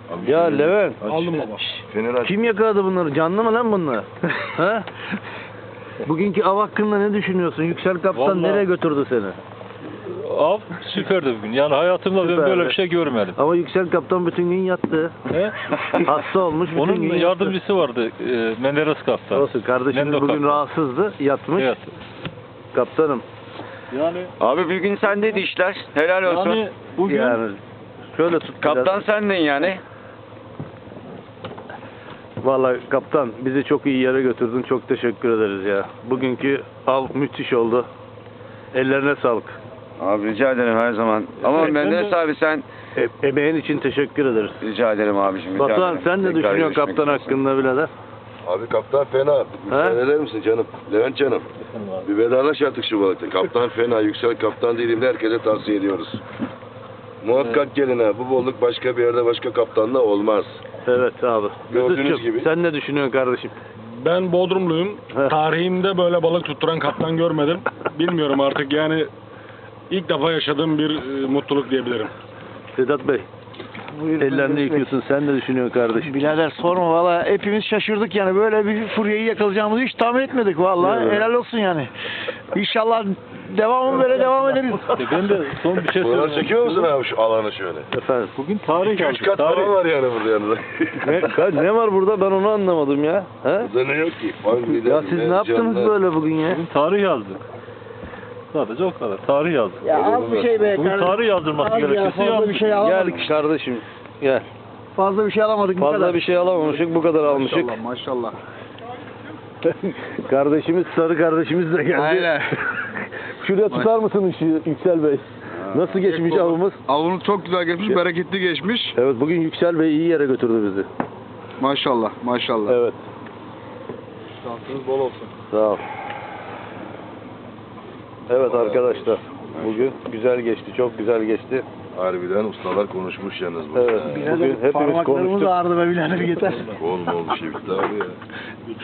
Abi Ya Levent, Aldım baba. Fener aç. kim yakaladı bunları? Canlı mı lan bunlar? Ha? Bugünkü av hakkında ne düşünüyorsun? Yüksel Kaptan Vallahi- nereye götürdü seni? Av süperdi bugün. Yani hayatımda ben Süperdi. böyle bir şey görmedim. Ama Yüksel Kaptan bütün gün yattı. He? Hasta olmuş, bütün Onun gün yattı. yardımcısı vardı. Menderes kaptan. Olsun, kardeşimiz Mendo bugün kaptan. rahatsızdı, yatmış. Evet. Kaptanım, Yani Abi bugün sendeydi işler. Helal olsun. yani bugün yani şöyle tut biraz. Kaptan sendin yani. Vallahi kaptan, bizi çok iyi yere götürdün, çok teşekkür ederiz ya. Bugünkü av müthiş oldu. Ellerine sağlık. Abi rica ederim her zaman. Ama Evet, ben Menderes de- abi sen Emeğin için teşekkür ederiz. rica ederim abiciğim. Rica Batuhan, ederim. sen ne Tekrar düşünüyorsun görüşmek kaptan üzere. hakkında birader? Abi kaptan fena. Müsaade eder misin canım? Levent canım. Bir vedalaş artık şu balıkta. Kaptan fena. Yüksel kaptan değilim de herkese tavsiye ediyoruz. Muhakkak gelin ha. Bu balık başka bir yerde başka kaptanla olmaz. Evet abi. Gördüğünüz Mesut'cum, gibi. sen ne düşünüyorsun kardeşim? Ben Bodrumluyum. Heh. Tarihimde böyle balık tutturan kaptan görmedim. Bilmiyorum artık yani ilk defa yaşadığım bir mutluluk diyebilirim. Sedat Bey, ellerini yıkıyorsun. Sen ne düşünüyorsun kardeşim? Birader sorma valla hepimiz şaşırdık yani böyle bir furyayı yakalayacağımızı hiç tahmin etmedik valla Evet. helal olsun yani. İnşallah devamı böyle devam ederiz. ben de son bir şey Buralar söyleyeyim. çekiyor musun abi şu alanı şöyle? Efendim? Bugün tarih 3 yazdık. kat falan var yani burada yanında. Ne var burada, ben onu anlamadım ya. He? Burada ne yok ki? Fangüler, Ya siz ne yaptınız mercanlar. böyle bugün ya? Bugün tarih yazdık. Sadece o kadar. Tarih yazdık. Ya az bir şey be Bugün kardeşim. tarih yazdırması Az ya, gerekirse fazla yazdık. bir şey alamadık. Gel kardeşim, gel. Fazla bir şey alamadık bu Fazla kadar. bir şey alamamışık, bu kadar almışık. Maşallah. Kardeşimiz, sarı kardeşimiz de geldi. Aynen. Şuraya tutar mısın ışığı Yüksel Bey? Nasıl geçmiş avımız? Avınız çok güzel geçmiş, bereketli geçmiş. Evet, bugün Yüksel Bey iyi yere götürdü bizi. Maşallah, maşallah. Evet. Şansınız bol olsun. Sağ ol. Evet arkadaşlar, bugün güzel geçti, çok güzel geçti. Harbiden ustalar konuşmuş yalnız bu. Evet, bugün hepimiz Parmaklarımız konuştuk. ağrıdı be birader yeter. Olma oldu şey bitti abi ya.